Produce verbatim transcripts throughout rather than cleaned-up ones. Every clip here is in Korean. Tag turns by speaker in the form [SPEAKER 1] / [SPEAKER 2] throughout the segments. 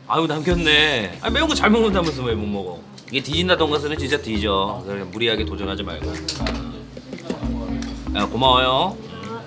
[SPEAKER 1] 아유 남겼네. 아 매운 거 잘 먹는다면서 왜 못 먹어? 이게 뒤진다 돈가스는 진짜 뒤져. 그래 무리하게 도전하지 말고. 야 고마워요.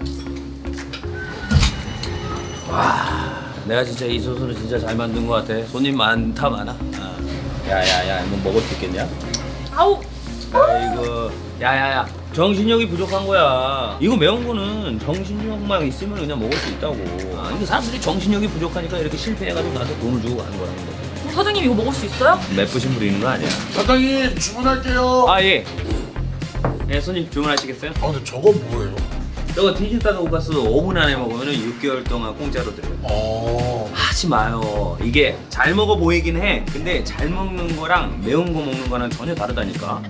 [SPEAKER 1] 와 내가 진짜 이 소스는 진짜 잘 만든 것 같아. 손님 많다 많아. 아. 야야야 뭐 먹을 수 있겠냐?
[SPEAKER 2] 아우.
[SPEAKER 1] 아이고 야야야 정신력이 부족한 거야. 이거 매운 거는 정신력만 있으면 그냥 먹을 수 있다고. 아, 이게 사람들이 정신력이 부족하니까 이렇게 실패해가지고 나한테 돈을 주고 가는 거라는 거지.
[SPEAKER 2] 사장님 이거 먹을 수 있어요?
[SPEAKER 1] 맵부심 부리는 거 아니야.
[SPEAKER 3] 사장님 주문할게요.
[SPEAKER 1] 아 예. 예 손님 주문하시겠어요?
[SPEAKER 3] 아 근데 저건 뭐예요?
[SPEAKER 1] 저거 디지털 돈가스 오 분 안에 먹으면 육 개월 동안 공짜로 드려요.
[SPEAKER 3] 어.
[SPEAKER 1] 하지 마요. 이게 잘 먹어 보이긴 해. 근데 잘 먹는 거랑 매운 거 먹는 거랑 전혀 다르다니까.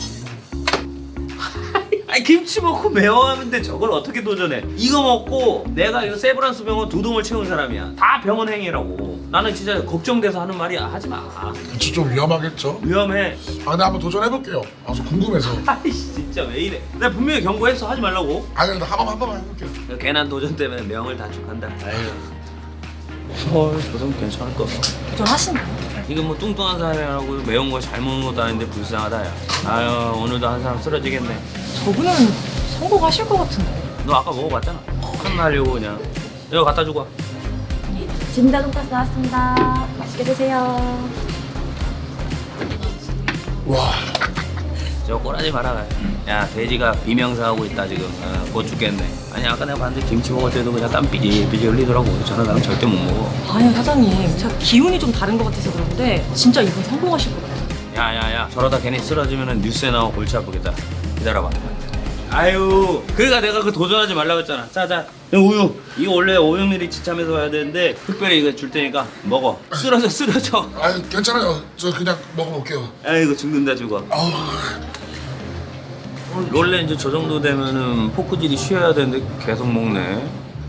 [SPEAKER 1] 아니 김치 먹고 매워하는데 저걸 어떻게 도전해? 이거 먹고 내가 이거 세브란스 병원 두 동을 채운 사람이야. 다 병원 행위라고. 나는 진짜 걱정돼서 하는 말이야. 하지 마.
[SPEAKER 3] 진짜 좀 위험하겠죠?
[SPEAKER 1] 위험해.
[SPEAKER 3] 아 근데 한번 도전해볼게요. 아 저 궁금해서.
[SPEAKER 1] 아이씨 진짜 왜 이래? 내가 분명히 경고했어. 하지 말라고.
[SPEAKER 3] 아 근데 한 번 한 번만 해볼게요.
[SPEAKER 1] 괜한 도전 때문에 명을 단축한다. 아유. 헐, 저도 괜찮을 거.
[SPEAKER 2] 도전하시나요?
[SPEAKER 1] 이거 뭐 뚱뚱한 사람이라고 매운 거 잘 먹는 것도 아닌데 불쌍하다 야. 아유 오늘도 한 사람 쓰러지겠네.
[SPEAKER 2] 저분은 성공하실 것 같은데.
[SPEAKER 1] 너 아까 먹어봤잖아. 혼나려고 그냥. 이거 갖다 주고 와.
[SPEAKER 2] 진다 돈가스 나왔습니다. 맛있게 드세요.
[SPEAKER 3] 와.
[SPEAKER 1] 저 꼬라지 마라. 야 돼지가 비명사하고 있다 지금. 아, 곧 죽겠네. 아니 아까 내가 봤는데 김치 먹을 때도 그냥 땀 삐질삐질 흘리더라고. 저런 사람 절대 못 먹어.
[SPEAKER 2] 아니요 사장님 제가 기운이 좀 다른 것 같아서 그런데 진짜 이분 성공하실 것 같아요.
[SPEAKER 1] 야야야 저러다 괜히 쓰러지면 뉴스에 나와 골치 아프겠다. 기다려봐. 아유 그러니까 내가 그 도전하지 말라고 했잖아. 자자 우유 이거 원래 오백 밀리리터 지참해서 와야 되는데 특별히 이거 줄 테니까 먹어. 쓰러져 쓰러져.
[SPEAKER 3] 아 괜찮아요. 저 그냥 먹어볼게요.
[SPEAKER 1] 아이고 죽는다 죽어.
[SPEAKER 3] 아우.
[SPEAKER 1] 원래 이제 저 정도 되면은 포크질이 쉬어야 되는데 계속 먹네.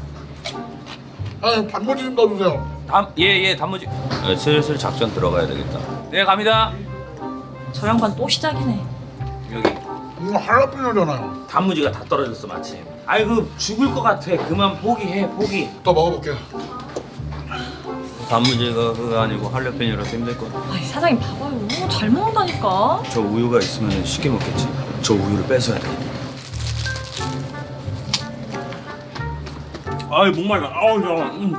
[SPEAKER 3] 아 반모지 좀 넣어주세요.
[SPEAKER 1] 예예 단무지. 네, 슬슬 작전 들어가야 되겠다. 네 갑니다.
[SPEAKER 2] 저 양반 또 시작이네.
[SPEAKER 1] 여기
[SPEAKER 3] 이거 할라피뇨잖아요.
[SPEAKER 1] 단무지가 다 떨어졌어 마침. 아이고 죽을 것 같아. 그만 포기해 포기.
[SPEAKER 3] 또 먹어볼게요.
[SPEAKER 1] 단무지가 그거 아니고 할레페뇨라서 힘들 거야.
[SPEAKER 2] 아니 사장님 봐봐요. 너무 잘 먹는다니까.
[SPEAKER 1] 저 우유가 있으면 쉽게 먹겠지. 저 우유를 뺏어야 돼. 아이 목말라. 아우 저. 음.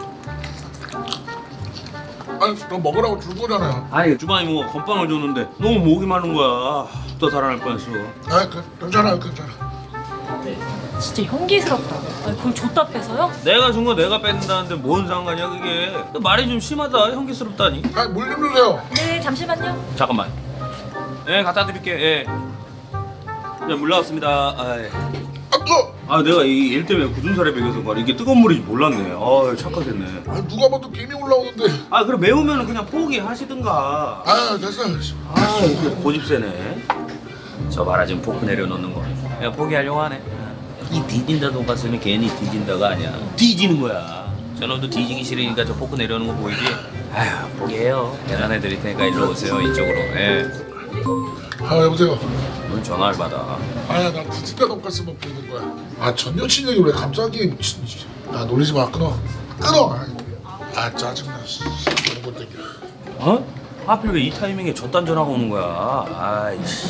[SPEAKER 3] 아니 너 먹으라고 줄 거잖아요.
[SPEAKER 1] 아니 주방에 뭐 건빵을 줬는데 너무 목이 마른 거야. 또 살아날 뻔했어.
[SPEAKER 3] 아 그, 괜찮아요 괜찮아.
[SPEAKER 2] 진짜 혐기스럽다. 아니 그걸 줬다 빼서요?
[SPEAKER 1] 내가 준 거 내가 뺏는다는데 뭔 상관이야 그게. 말이 좀 심하다. 형기스럽다니.
[SPEAKER 3] 아물 좀 주세요.
[SPEAKER 2] 네 잠시만요.
[SPEAKER 1] 잠깐만. 예 갖다 드릴게. 예. 자, 물 나왔습니다. 아, 예.
[SPEAKER 3] 아 뜨거.
[SPEAKER 1] 아 내가 이 일 때문에 굳은 살에 배겨서 말이야. 이게 뜨거운 물인지 몰랐네. 아 착각했네.
[SPEAKER 3] 아 누가 봐도 김이 올라오는데.
[SPEAKER 1] 아 그럼 매우면 그냥 포기하시든가.
[SPEAKER 3] 아 됐어요.
[SPEAKER 1] 아 이게 고집세네. 저 봐라 지금 포크 내려놓는 거. 야 포기하려고 하네. 이 뒤진다 돈가스는 괜히 뒤진다가 아니야. 뒤지는 거야. 저놈도 뒤지기 싫으니까 저 포크 내려오는 거 보이지? 아휴 포기해요. 계산해 드릴 테니까 일로 오세요 이쪽으로. 예.
[SPEAKER 3] 아 여보세요.
[SPEAKER 1] 오늘 전화를 받아.
[SPEAKER 3] 아야 나 디지털 돈가스 먹고 있는 거야. 아 전 여친 얘기 왜 갑자기. 아 놀리지 마 끊어. 끊어. 아 짜증나. 이런 것 때문에.
[SPEAKER 1] 어? 하필 왜 이 타이밍에 저딴 전화가 오는 거야? 아이씨.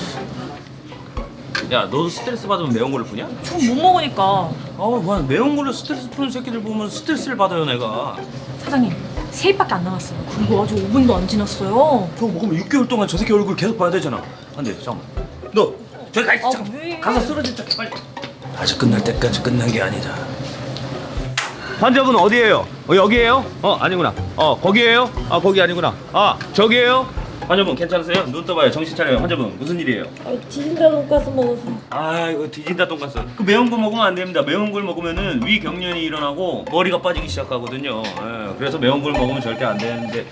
[SPEAKER 1] 야 너도 스트레스 받으면 매운 걸로 푸냐?
[SPEAKER 2] 전 못 먹으니까.
[SPEAKER 1] 어우 뭐 매운 걸로 스트레스 푸는 새끼들 보면 스트레스를 받아요 내가.
[SPEAKER 2] 사장님 세 입밖에 안 남았어요. 그리고 아직 오 분도 안 지났어요.
[SPEAKER 1] 저거 먹으면 육 개월 동안 저 새끼 얼굴 계속 봐야 되잖아. 안 돼, 잠깐만. 너 저기 가 있어.
[SPEAKER 2] 아,
[SPEAKER 1] 잠깐만.
[SPEAKER 2] 왜?
[SPEAKER 1] 가서 쓰러질 척해 빨리. 아직 끝날 때까지 끝난 게 아니다. 환자분 어디에요? 어, 여기에요? 어 아니구나. 어 거기에요? 아 거기 아니구나. 아 저기에요? 환자분 괜찮으세요? 눈 떠봐요. 정신 차려요. 환자분 무슨 일이에요?
[SPEAKER 2] 아 디진다 돈가스 먹어서.
[SPEAKER 1] 아 이거 뒤진다 돈가스. 그 매운 거 먹으면 안 됩니다. 매운 걸 먹으면은 위 경련이 일어나고 머리가 빠지기 시작하거든요. 예, 그래서 매운 걸 먹으면 절대 안 되는데.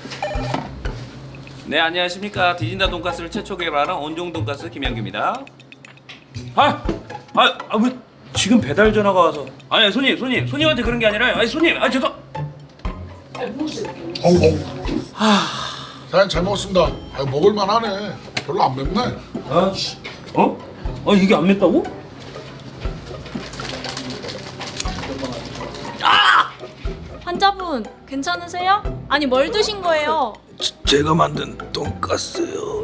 [SPEAKER 1] 네 안녕하십니까. 뒤진다 돈가스를 최초 개발한 온종 돈가스 김양규입니다. 아, 아, 아 왜 지금 배달 전화가 와서? 아니 손님, 손님, 손님한테 그런 게 아니라, 아니 손님, 아 죄송.
[SPEAKER 3] 어우 어우. 사장님 잘 먹었습니다. 아 먹을만 하네. 별로 안 맵네.
[SPEAKER 1] 아, 어? 아 이게 안 맵다고?
[SPEAKER 2] 환자
[SPEAKER 4] 남자분 괜찮으세요? 아니 뭘 드신 거예요?
[SPEAKER 5] 제가 만든 돈가스요.